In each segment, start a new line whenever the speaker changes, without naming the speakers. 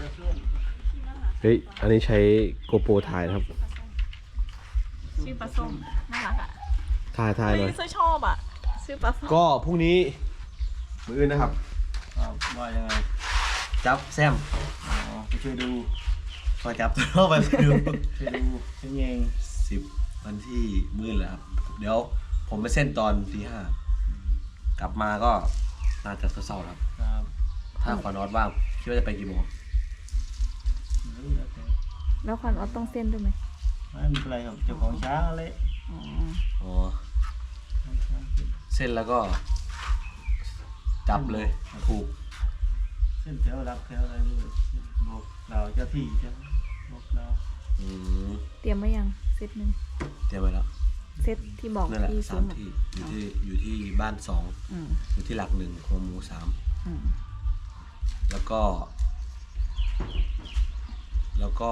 เฮ้ยอันนี้ใช้โกโปรถ่ายนะครับ
ชื่อปลาส้มน่ารักอ่ะ
ถ่ายเลย
เฮ้ยชอบอ่ะชื่อปลาส้ม
ก็พรุ่งนี้มื้ออื่นนะครับ
ว่ายังไง
จับแซม
ไปช่วยดู
มาจับตัวไปดู
ช่วยดูช่วยเอง
10 วันที่มื้อแหละครับเดี๋ยวผมไปเส้นตอนตี 5กลับมาก็น่าจะเศร้าๆครับถ้าขอนอตว่างคิดว่าจะไปกี่โมง
แล้วควันออสต้องเส้นด้วยไหม
ไม่เป็นไรครับเจ้าของช้างอะไร
อ๋อเส้นแล้วก็จับเลยถูก
เส้นแถวรับแถวอะไรด้วยบอกเราเจ้าที่จะบอกเรา
เตรียมไว้ยังเซตหนึ่ง
เตรียมไว้แล้ว
เซตที่บอก
นั่นแหละ3 ที่อยู่ที่บ้าน2อยู่ที่หลัก1ครัวหมู3แล้วก็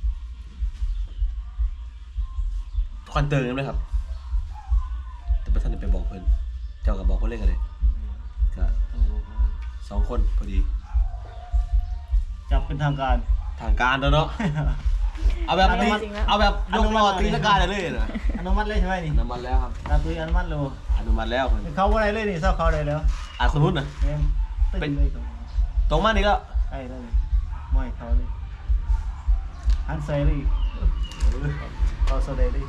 ควันเติงกันไหมครับแต่ประธานจะไปบอกเพื่อนเจ้ากับบอกเพื่อนเล่นกันเลยก็2 คนพอดี
จับเป็นทางการ
แล้วเนาะเอาแบบยกล้อตีลังกาเลยนะ
อนุมัติเลยใช่ไหมนี่
อนุมัติแล้วครับ
ตาตุยอนุมัติแล้วเขาอะไรเลยนี่เศร้าเขาเลยแล้ว
คนนู้นนะ
เป็นเลย
ตรงมานี่ก็
ใช่ได้ไม่เขาเลยฮันเซรี่เขาโซเดรี่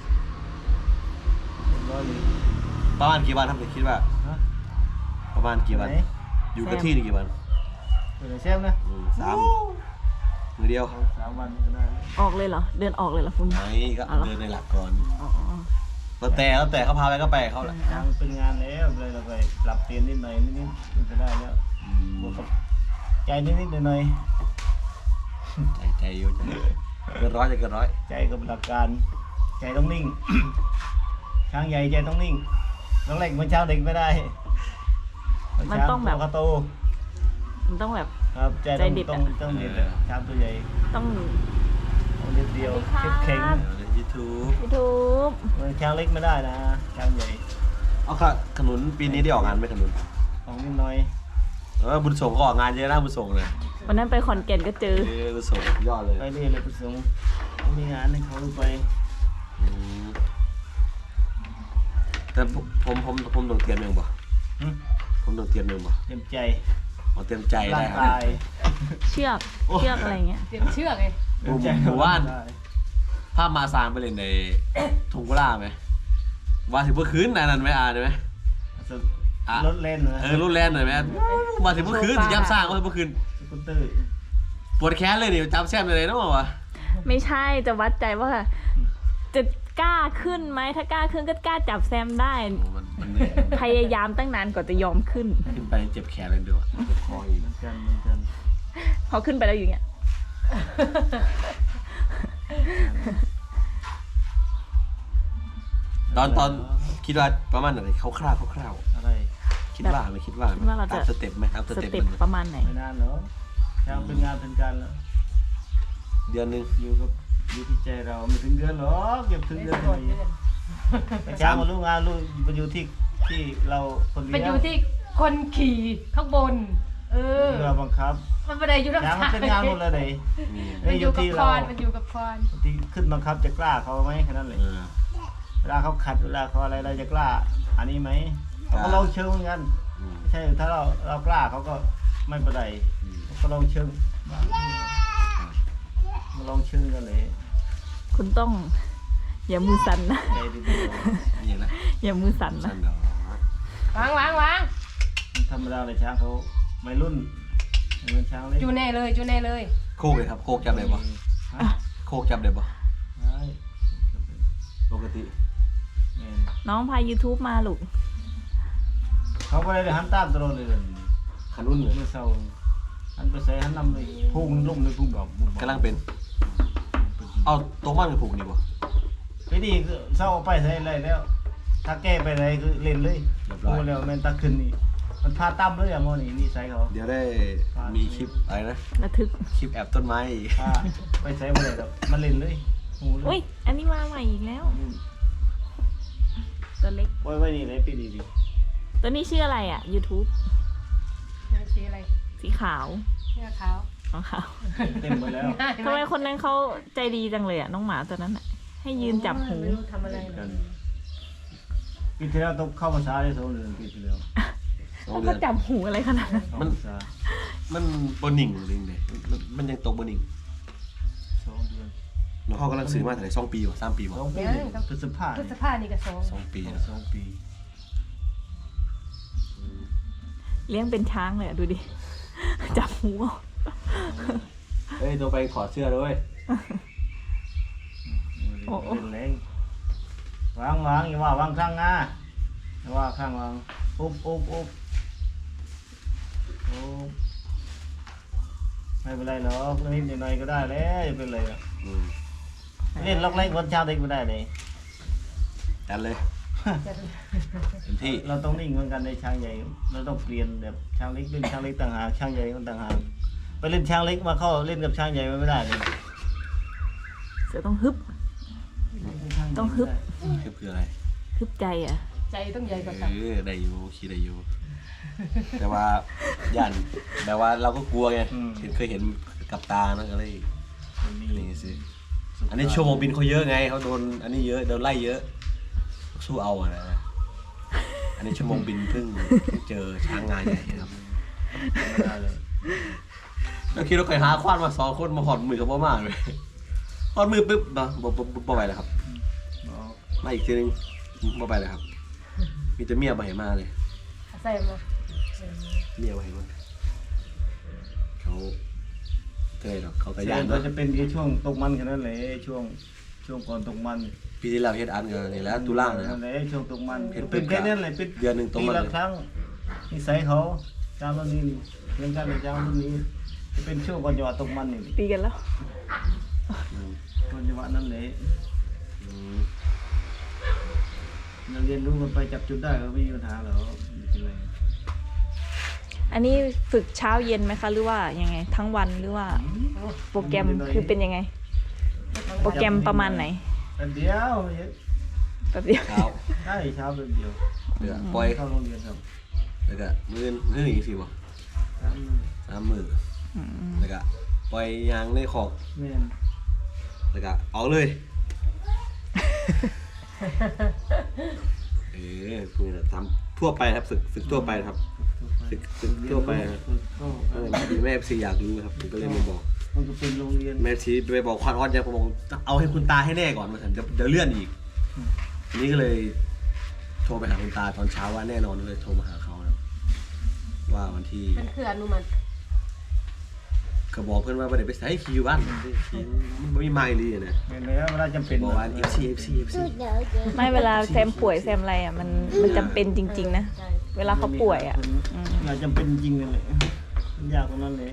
ประมาณกี่วันครับคิดว่าประมาณกี่วันอยู่กับที่นี่กี่วัน
เชฟนะ
มือเดียว
3 วันก็ได้
ออกเลยเหรอเดินออกเลยเหรอคุณ
ไหนก็เดินในหลักก่อนแล้วแต่เขาพาไปก็ไปเขาแหละ
ยังเป็นงานแล้วเลยเราไปปรับเปลี่ยนนิดหน่อยมันจะได้แล้วบวกกับใจนิดหน่อย
ใจเยอะเกินร้อย
ใจกับหลักการใจต้องนิ่งช้างใหญ่ใจต้องนิ่งน้องเล็กมันช้างเด็กไม่ได้
มันต้องแบบ
โต
มันต้องแบบ
ครับใจเด็ดต้องเด็ดช้างตัวใหญ่
ต้อง
เด็ดเดียวเข่ง
ยูทู
บ
มันช้างเล็กไม่ได้นะช้างใหญ่
เอาค่ะขนุนปีนี้ได้ออกงานไหมขนุน
ออกนิดหน่อย
บุญส่งก็ออกงานเยอะนะบุญส่งเลย
วันนั้นไปขอนแก่นก็เจอ
บุญส่งยอดเลย
ไปเรื่อยเลยบุญส่งมีงานให้เขาไป
แต่ผมต้องเตรียมยังบ่ผมต้องเตรียมยังบ่
เตรียมใจ
เตรียมใจได้ครับ
เชือกอะไรเงี้ย
เตรียมเชือกไง
หมู่บ้านภาพมาซานไปเลยในทุ่งกุลาไหมว่าถึงเมื่อคืนนั้นไหมได้ไหม
รถเล่น
รถเล่นหน่อยไหมว่าถึงเมื่อคืนจะย้ำสร้างว่าเมื่อคืนปวดแขนเลยดิจำแซมเลยนะวะ
ไม่ใช่จะวัดใจว่าจะกล้าขึ้นไหมถ้ากล้าขึ้นก็กล้าจับแซมได้พยายามตั้งนานกว่าจะยอมขึ้น
ไปเจ็บแขนเลยเดี๋ยวเจ็บคออีก
เหมือนกัน
พอขึ้นไปแล้วอย่างเงี้ย
ตอนคิดว่าประมาณไหนคร่าว
อะไร
คิดว่าตามสเต็ปไหมตามสเต็ป
ประมาณไหน
ไม่นานเหรอช้างเป็นงานเป็นการแล้ว
เดือนนึง
อยู่ที่ใจเราไม่ถึงเดือนหรอกเก็บถึงเดือนเลยช้างมารู้งานรู้มันอยู่ที่เราคนเดียว
มันอยู่ที่คนขี่ข้างบน
เราบังคับ
มันไม่ได้อยู่
ช้างมันเป็นงานหมดเลย
มันอยู่กับคอน
ที่ขึ้นบังคับจะกล้าเขาไหมแค่นั้นเลยเวลาเขาขัดเวลาเขาอะไรเราจะกล้าอันนี้ไหมเขาก็ลองเชิงเหมือนกันไม่ใช่ถ้าเรากล้าเขาก็ไม่เป็นไรเขาลองเชิงมาลองเชิงกันเลย
คุณต้องอย่ามือสั่นนะอย่ามือสั่นนะ
วาง
ธรรมดาเลยช้างเขาไม่รุ่นเหมือนช้างเลย
จูเน่เลย
โคกเลยครับโคกจับได้ปะโคกจับได้ปะปกติ
น้องพาย YouTube มาลูก
เขาก็เลยหันตามตลอดเลย
ขนุนเลย
เมื่อเช้าหันไปใส่หันนำเลยพุ่งลุ่มเลยพุ่งแบบ
กำลังเป็นเอาตัวมันกับพุ่งดีกว่า
ไปดีคือเช้าไปใส่อะไรแล้วถ้าแก้ไปอะไรคือเล่นเลยพูดแล้วแม่นตะขึ้นนี่มันพาตั้มเลยอะโมนี่ใส่เขา
เดี๋ยวได้มีคลิปอะไรนะ
ระทึก
คลิปแอบต้นไม้
ไปใส่มาเลยแบบมันเล่นเลย
อุ้ยอันนี้มาใหม่อีกแล้วตัวเล็ก
ไว้นี่เลยปีดี
ตัวนี้ชื่ออะไรอ่ะ YouTube
ชื่ออะไร
สีขาว
ชื่อขาว
ของเขา
เต็มหมดแล้ว
ทำไมคนนั้นเขาใจดีจังเลยอ่ะน้องหมาตัวนั้นอ่ะ ให้ยืนจับหู
ไม่รู้ทำอะไรเลย
ปีที่แล้วต้องเข้าภาษาได้2 เดือนปีที่แล้ว
แล้วก็จับหูอะไรขนาดนั้น
เข้าภาษา
มันบนนิ่งเลยเนี่ยมันยังตกบนนิ่ง
2 เดือน
น้องเขากำลังซื้อมาแต่ไหน2 ปีวะ3 ปีวะ
2 ปีพฤษภา
พฤษภานี่ก็2
2 ปีนะ
2 ปี
เลี้ยงเป็นช้างเลยอะดูดิ จับหูเอา
เฮ้ยตัวไปถอดเสื้อด้วย
เป็นแรงวางอย่าว่าวางข้างหน้าอย่าว่าข้างวางอุ๊บไม่เป็นไรหรอกนิดหน่อยก็ได้แล้วอย่าเป็นไรหรอก
อืม
เล่นล็อกเล่นคนชาวเด็กไม่ได้เลย
จัดเลยเต็มที่
เราต้องนิ่งเหมือนกันในช้างใหญ่เราต้องเปลี่ยนแบบช้างเล็กเล่นช้างเล็กต่างหากช้างใหญ่ก็ต่างหากไปเล่นช้างเล็กมาเข้าเล่นกับช้างใหญ่มันไม่ได้เลย
เสือต้องฮึบ ต้องฮึบ
คืออะไร
ฮึบใจอ่ะ
ใจต้องใหญ่กว่าตับ
ได้อยู่ขี่ได้อยู่ แต่ว่าย่านแบบว่าเราก็กลัวไงเคยเห็นกับตานะก็เลยนี่สิอันนี้ชั่วโมงบินเขาเยอะไงเขาโดนอันนี้เยอะโดนไล่เยอะสู้เอาอะนะอันนี้ชั่วโมงบินเพิ่งเจอช้างงานใหญ่ครับ
ไม่ได้เลย
แล้วคิดว่าเคยหาควานมา2 คนมาหอดมือกับพ่อมากเลยหอดมือปุ๊บเนาะบ่ไปเลยครับมาอีกทีนึงบ่ไปเลยครับมีแต่เมียมาให้มาเลย
ใส่มา
เมียมาให้มาเขาเคยหรอกเขาก็
เสี
ย่าย น
ก็
เนาะ
จะเป็นแค่ช่วงตกมันแค่นั้นเลยช่วงก่อนตกมัน
ปีที่แล้วเฮ็ดอันกันนี่แหล้วตุลานะครับ
นั่นแหละช่วงตกมัน
เห็น
เป็นแค่นั้นเลยเป็น
เดือนหนึ่งตกมัน
ปีละครั้งนิสัยเขาเจ้ารุ่นนี้เรื่องการเจ้ารุ่นนี้จะเป็นช่วงก่อนจังหวะตกมันนี่
ตีกันแล้ว
อืม
ก่อนจังหวะนั้นเลย
อืม
เราเรียนรู้กันไปจับจุดได้ก็ไม่มีปัญหาหรอกไม่เป็นไร
อันนี้ฝึกเช้าเย็นไหมคะ หรือว่ายังไง ทั้งวันหรือว่า โปรแกรมคือเป็นยังไง โปรแกรมประมาณไหน
แป๊บเดียว
แป๊บเดียว
เช้า
ใช่เช้าแป๊บเดียว
เดี๋ยวปล่อย
เข้าโรงเรียนครับ
แล้วก็มื้ออีกสิบ่ 3 มื้อ
อืม
แล้วก็ปล่อยยางในคอก
แม่น
แล้วก็เอาเลยพวกนี้ทำทั่วไปครับฝึกทั่วไปครับฝึกทั่วไปครับ แม่ซีอยากรู้ครับผมก็เลยมาบอก
มันก็เป็นโรงเรียน
แม่ซีไปบอกควานออนยังผมบอกเอาให้คุณตาให้แน่ก่อนมาถึงเดี๋ยวเลื่อนอีกทีนี้ก็เลยโทรไปหาคุณตาตอนเช้าว่าแน่นอนเลยโทรมาหาเขาครับว่าวันที่
มันคืออนุมัติ
ก็บอกเพื่อนว่าประเดี๋ยวไปใส่คิวบ้านขี่มันไม่มีไมล์เลยนะ
แม่นแล้วเวลาจำเป็น
บอกว่า FC
ไม่เวลาแซมป่วยแซมอะไรอ่ะมันจำเป็นจริง ๆ นะ
ใช่
เวลาเขาป่วยอ่ะ
อยากจำเป็นจริงเลยมันยากตรงนั้นเลย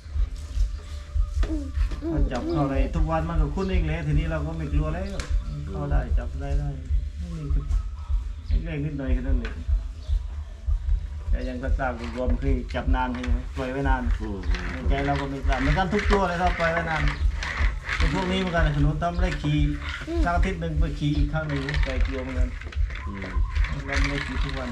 มันจับเข้าอะไรทุกวันมันก็คุ้นเองเลยทีนี้เราก็ไม่กลัวแล้วเข้าได้จับได้นี่คือเล็กๆนิดหน่อยแค่นั้นเลยแต่ยังกล้าๆรวมคือจับนานใช่ไหมปล่อยไว้นาน ในใจเราก็ไม่กล้าเหมือนกันทุกตัวเลยเราปล่อยไว้นานเป็นพวกนี้เหมือนกันขนุนตั้มได้ขี่สักอาทิตย์หนึ่งไปขี่อีกครั้งหนึ่งใจกลัวเหมือนกันเราไม่ได้ขี่ทุกวัน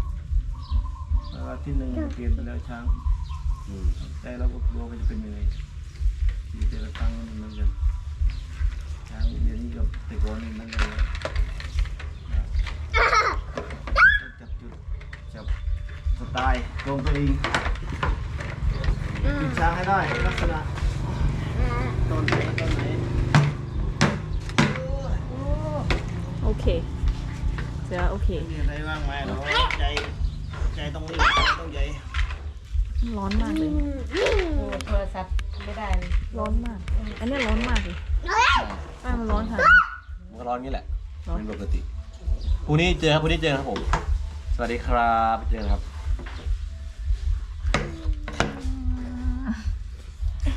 อาทิตย์หนึ่งเปลี่ยนไปแล้วช้างใจเราก็กลัวมันจะเป็นยังไงขี่แต่ละครั้งเหมือนกันช้างเดี๋ยวนี้กับแต่ก่อนนี่มันเลยจับจุดจับสไตล์ตรงตัวเองติดช้างให้ได้ลักษณะต้นไหนต้นไหน
โอเคเสือโอเค
มีอะไรบ้างไหมเราใจต้องรีบต้องใหญ่
ร้อนมากเลย
โอ้โทรศัพท์ไม่ได้เลย
ร้อนมาก อันนี้ร้อนมากเลยป้ามันร้อนค่ะ
มันก็ร้อนงี้แหละเป็นปกติพรุ่งนี้เจอครับผมสวัสดีครับเจอกันครับ